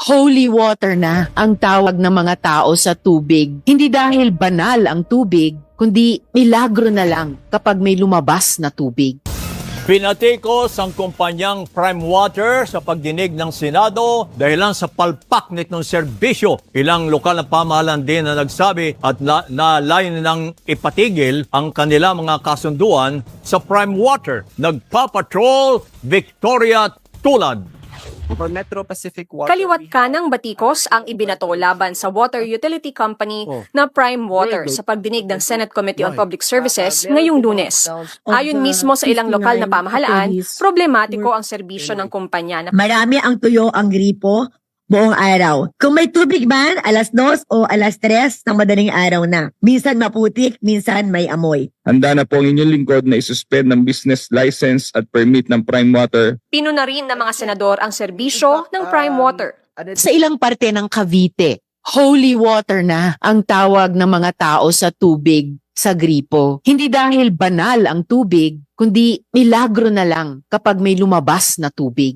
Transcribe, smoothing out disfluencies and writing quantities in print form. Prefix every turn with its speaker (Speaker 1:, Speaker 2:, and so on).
Speaker 1: Holy water na ang tawag ng mga tao sa tubig. Hindi dahil banal ang tubig, kundi milagro na lang kapag may lumabas na tubig.
Speaker 2: Pinatikos ang kumpanyang Prime Water sa pagdinig ng Senado dahilan sa palpak nitong serbisyo. Ilang lokal na pamahalaan din na nagsabi at nalayan ng ipatigil ang kanila mga kasunduan sa Prime Water. Nagpapatrol Victoria Tulad.
Speaker 3: For Metro Pacific Water.
Speaker 4: Kaliwat kanang batikos ang ibinato laban sa water utility company na Prime Water sa pagdinig ng Senate Committee on Public Services ngayong Lunes. Ayon mismo sa ilang lokal na pamahalaan, problematiko ang serbisyo ng kumpanya na
Speaker 5: Marami ang tuyo ang gripo buong araw. Kung may tubig man, alas 2 o alas 3 ng madaling araw na. Minsan maputik, minsan may amoy.
Speaker 6: Handa na po ang inyong lingkod na isuspend ng business license at permit ng Prime Water.
Speaker 4: pinuna rin ng mga senador ang serbisyo ng Prime Water.
Speaker 1: Sa ilang parte ng Cavite, holy water na ang tawag ng mga tao sa tubig sa gripo. Hindi dahil banal ang tubig, kundi milagro na lang kapag may lumabas na tubig.